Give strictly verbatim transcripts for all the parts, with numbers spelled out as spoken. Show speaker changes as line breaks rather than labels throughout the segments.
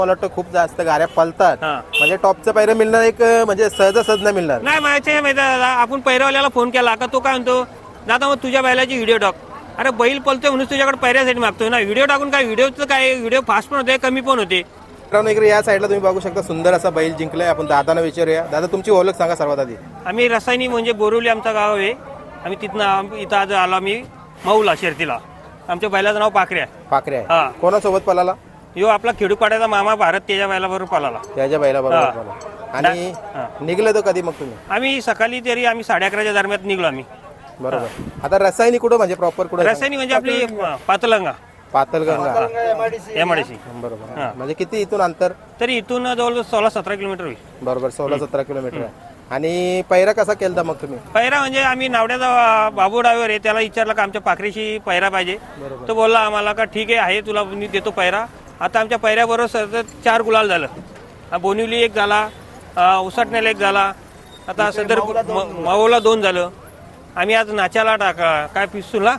मला वाटतं खूप जास्त गाड्या पळतात, म्हणजे टॉपचं पैर मिळणार एक म्हणजे सहजासहज नाही मिळणार.
नाही माहिती आहे माहिती आहे, आपण पैरवाल्याला फोन केला का तो काय म्हणतो, दादा मग तुझ्या बैलाची व्हिडिओ टाक. अरे बैल पळतोय म्हणून तुझ्याकडे पैऱ्यासाठी मागतोय ना, व्हिडिओ टाकून काय, व्हिडिओचं काय, व्हिडिओ फास्ट पण होते कमी पण होते.
इकडे या साईडला तुम्ही बघू शकता सुंदर असा बैल जिंकलाय. आपण दादांना विचारूया. दादा तुमची ओळख सांगा सर्वात आधी.
आम्ही रसायनी म्हणजे बोरिवली आमचं गाव आहे. आम्ही तिथनं इथं आज आलो आम्ही मऊला शर्तीला. आमच्या बैलाचं नाव पाखरे आहे.
पाखरे आहे. कोणासोबत पळाला?
यो आपला खेडूपाड्याचा मामा भारत त्याच्या बैलाबरोबर पळाला.
त्याच्या बैलाबरोबर पळाला. आणि निघलं तर कधी मग तुम्ही?
आम्ही सकाळी तरी आम्ही साडे अकराच्या दरम्यान निघलो आम्ही.
बरोबर. आता रसायनी कुठं म्हणजे प्रॉपर कुठं?
रसायनी म्हणजे आपली पातलंगा
पातलगंगा
एमआयडीसी.
बरोबर. म्हणजे किती इथून अंतर?
तरी इथून जवळ सोळा सतरा किलोमीटर होईल.
बरोबर, सोळा सतरा किलोमीटर आहे. आणि पैरा कसा केलता मग तुम्ही?
पैरा म्हणजे आम्ही नावड्याचा बाबू ड्रायव्हर आहे, त्याला विचारलं का आमच्या पाखरीशी पैरा पाहिजे. तो बोलला आम्हाला का ठीक आहे आहे तुला मी देतो पैरा. आता आमच्या पैऱ्याबरोबर सतत चार गुलाल झालं. बोनिवली एक झाला, उसाटण्याला एक झाला, आता सदर मावोला दोन झालं. आम्ही आज नाच्याला टाकला काय पिस्तूलला,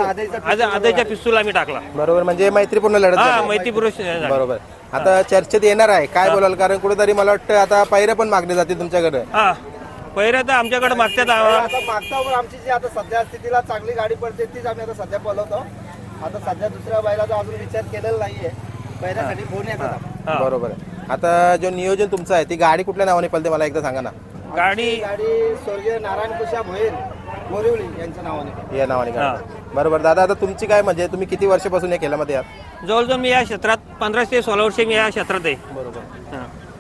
आज आधीच्या पिस्तूल आम्ही टाकला.
बरोबर, म्हणजे मैत्रीपूर्ण लढत
हा
झाली.
मैत्रीपूर्ण.
बरोबर. आता चर्चेत येणार आहे, काय बोलाल? कारण कुठेतरी मला वाटतं आता पैरे पण मागले जाते तुमच्याकडे.
हा पैरा तर आमच्याकडे मागतात.
मागता आमची जी आता सध्या स्थितीला चांगली गाडी पडते तीच आम्ही आता सध्या बोलवतो. आता सध्या दुसऱ्या बैलाचा अजून विचार केलेला नाहीये. पैऱ्यासाठी फोन येतात.
बरोबर आहे. आता जो नियोजन तुमचं आहे ती गाडी कुठल्या नावाने पळते मला एकदा सांगा ना.
गाडी
गाडी स्वर्गीय नारायण कुशा भोईर बोरिवली यांच्या नावाने
या नावाने गाडी. बरोबर. दादा आता तुमची काय म्हणजे तुम्ही किती वर्षापासून या खेळामध्ये आहात?
जवळजवळ मी या क्षेत्रात पंधरा ते सोळा वर्ष मी या क्षेत्रात आहे.
बरोबर.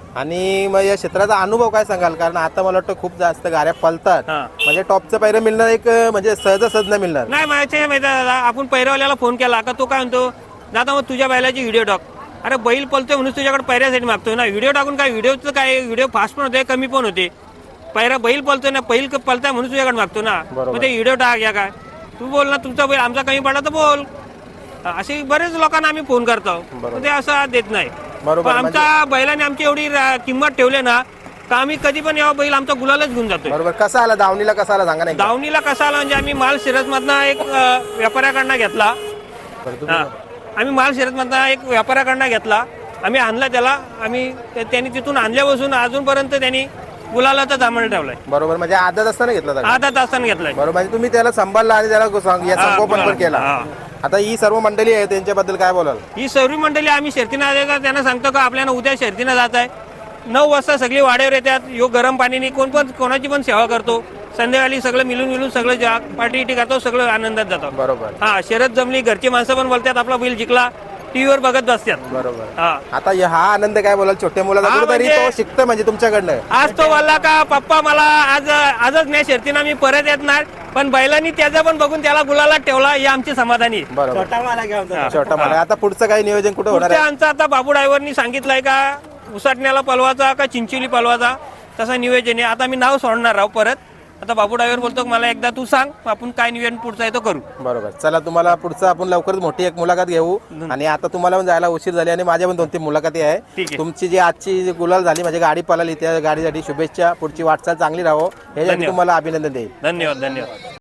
आणि मग या क्षेत्राचा अनुभव काय सांगाल? कारण आता मला वाटतं खूप जास्त गाड्या पळतात, म्हणजे टॉपचं पैर मिळणार एक म्हणजे सहजासहज नाही मिळणार.
नाही माहिती आहे माहिती आहे, आपण पैरवाल्याला फोन केला का तो काय म्हणतो, दादा मग तुझ्या बैलाची व्हिडिओ टाक. अरे बैल पळतोय म्हणून तुझ्याकडे पैऱ्यासाठी मागतोय ना, व्हिडिओ टाकून काय, व्हिडिओचं काय, व्हिडिओ फास्ट पण होते कमी पण होते. पैरा बैल पळतोय ना, बैल पळताय म्हणून तुझ्याकडे मागतो ना, मग ते व्हिडिओ टाक या काय. तू बोल ना, तुमचा बैल आमचा कमी पडला तर बोल. असे बरेच लोकांना आम्ही फोन करतो, ते असं देत नाही. आमच्या बैलाने आमची एवढी किंमत ठेवली ना का आम्ही कधी पण यावं बैल आमचा गुलालच घेऊन जातो.
बरोबर. कसा आला दावणीला? कसा आला सांगा नाही.
दावणीला कसा आला म्हणजे आम्ही माल शिरत मधनं एक व्यापाऱ्याकडनं घेतला. आम्ही माल शिरत मधनं एक व्यापाऱ्याकडनं घेतला, आम्ही आणला त्याला. आम्ही त्यांनी तिथून आणल्यापासून अजूनपर्यंत त्यांनी गुलाला तर दामण ठेवलाय.
बरोबर. म्हणजे आधा असताना घेतला?
आधा तासाने घेतलाय.
बरोबर. म्हणजे तुम्ही त्याला सांभाळला आणि त्याला संगोपन पण केला. आता ही सर्व मंडळी आहे त्यांच्याबद्दल काय बोलाल?
ही सर्व मंडळी आम्ही शर्तीनं आले का त्यांना सांगतो का आपल्याला उद्या शर्तीनं जात आहे. नऊ वाजता सगळी वाड्यावर येतात. यो गरम पाणीने कोण पण कोणाची पण सेवा करतो. संध्याकाळी सगळं मिळून मिळून सगळं पार्टी इटी करतो, सगळं आनंदात जातो.
बरोबर.
हा शरद जमली, घरची माणसं पण बोलतात आपला बैल जिंकला, टीव्हीवर बघत बसतात.
बरोबर. आता हा आनंद काय बोलाल छोट्या मुलाला तरी तो शिकतो म्हणजे तुमच्याकडनं?
आज तो बोलला का पप्पा मला आज आजच नाही शर्तीनं मी परत येत नाही, पण बैलांनी त्याचा पण बघून त्याला गुलाला ठेवला ही आमची समाधानी.
बरोबर.
छोटा माला घेऊन
छोटा मला. आता पुढचं काही नियोजन कुठं होणार आहे?
आमचा आता बाबू ड्रायव्हरनी सांगितलंय का उसाटण्याला पलवाचा का चिंचोली पलवाचा तसं नियोजन आहे. आता मी नाव सोडणार आहो परत. आता बाबू ड्रायव्हर बोलतो मला एकदा तू सांग, आपण काय नियोजन पुढचं आहे तो करू.
बरोबर. चला तुम्हाला पुढचं आपण लवकरच मोठी एक मुलाखत घेऊ. आणि आता तुम्हाला पण जायला उशीर झाली आणि माझ्या पण दोन तीन मुलाखती आहे. तुमची जी आजची गुलाल झाली म्हणजे गाडी पळाली त्या गाडीसाठी शुभेच्छा. पुढची वाटचाल चांगली राहो, हे तुम्हाला अभिनंदन देईल.
धन्यवाद धन्यवाद.